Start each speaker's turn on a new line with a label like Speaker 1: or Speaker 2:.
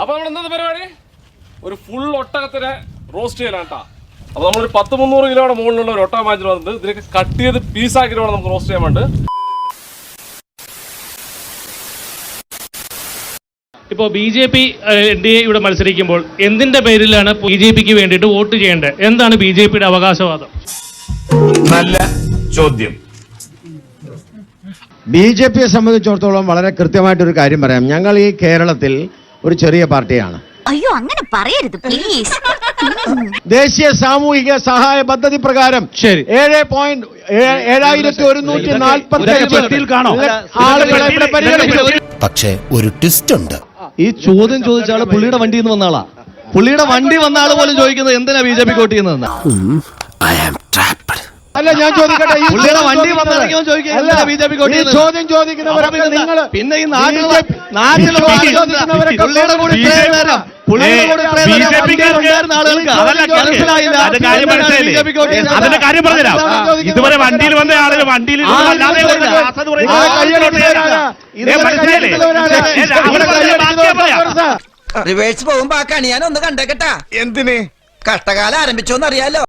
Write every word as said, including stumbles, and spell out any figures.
Speaker 1: അപ്പൊ നമ്മൾ എന്താ പരിപാടി? ഒരു ഫുൾ ഒട്ടകത്തിനെ റോസ്റ്റ് ചെയ്യലാണ് കേട്ടോ. അപ്പൊ നമ്മളൊരു പത്ത് മുന്നൂറ് കിലോയുടെ മുകളിലുള്ള ഒരു ഒട്ടകം വാങ്ങിച്ചു വന്നിട്ട് ഇതിലേക്ക് കട്ട് ചെയ്ത് പീസാക്കിയിട്ട് വേണം നമുക്ക് റോസ്റ്റ് ചെയ്യാൻ വേണ്ടി.
Speaker 2: ഇപ്പോൾ B J P N D A ഇവിടെ മത്സരിക്കുമ്പോൾ എന്തിന്റെ പേരിലാണ് ബി ജെ പിക്ക് വേണ്ടിയിട്ട് വോട്ട് ചെയ്യേണ്ടത്? എന്താണ് ബി ജെ പിയുടെ അവകാശവാദം?
Speaker 3: നല്ല ചോദ്യം.
Speaker 4: ബി ജെ പിയെ സംബന്ധിച്ചിടത്തോളം വളരെ കൃത്യമായിട്ടൊരു കാര്യം പറയാം. ഞങ്ങൾ ഈ കേരളത്തിൽ ഒരു ചെറിയ പാർട്ടിയാണ്.
Speaker 5: അയ്യോ അങ്ങനെ പറയരുത് പ്ലീസ്.
Speaker 4: ദേശീയ സാമൂഹിക സഹായ പദ്ധതി പ്രകാരം ശരി ഏഴ് പോയിന്റ് ഏഴായിരത്തി ഒരുന്നൂറ്റി നാൽപ്പത്തി ആളുകളെ ഇവിടെ പരിഗണിച്ചു.
Speaker 6: പക്ഷേ ഒരു ട്വിസ്റ്റ് ഉണ്ട്.
Speaker 7: ഈ ചോദ്യം ചോദിച്ച ആള് പുള്ളിയുടെ വണ്ടിയിൽ നിന്ന് വന്ന ആളാ. പുള്ളിയുടെ വണ്ടി വന്ന ആള് പോലും ചോദിക്കുന്നത് എന്തിനാ ബി ജെ പി വോട്ട് ചെയ്യുന്നതെന്ന്.
Speaker 4: അല്ല ഞാൻ ചോദിക്കട്ടെ, ഈ
Speaker 7: പുള്ളിയുടെ വണ്ടി വന്നിറങ്ങിയോ ചോദിക്കുക ബി ജെ പി വോട്ട് ചെയ്യുന്നത്.
Speaker 4: ചോദ്യം ചോദിക്കുന്നവരൊക്കെ നിങ്ങൾ
Speaker 7: പിന്നെ ഈ നാട്ടിലെ നാട്ടിലെ പുള്ളിയുടെ കൂടി ഇത്രയും നേരം പുള്ളിയുടെ കൂടി ഇത്രയും നേരം ഉണ്ടായിരുന്ന ആളുകൾക്ക് മനസ്സിലായില്ല.
Speaker 2: അതിന്റെ കാര്യം പറഞ്ഞുതരാം. ഇതുവരെ വണ്ടിയിൽ വന്ന ആളുകൾ വണ്ടിയിൽ
Speaker 8: റിവേഴ്സ് പോകുമ്പോ ആ കണി ഞാൻ ഒന്ന് കണ്ടേക്കട്ടാ.
Speaker 3: എന്തിന്?
Speaker 8: കഷ്ടകാലം ആരംഭിച്ചോന്നറിയാലോ.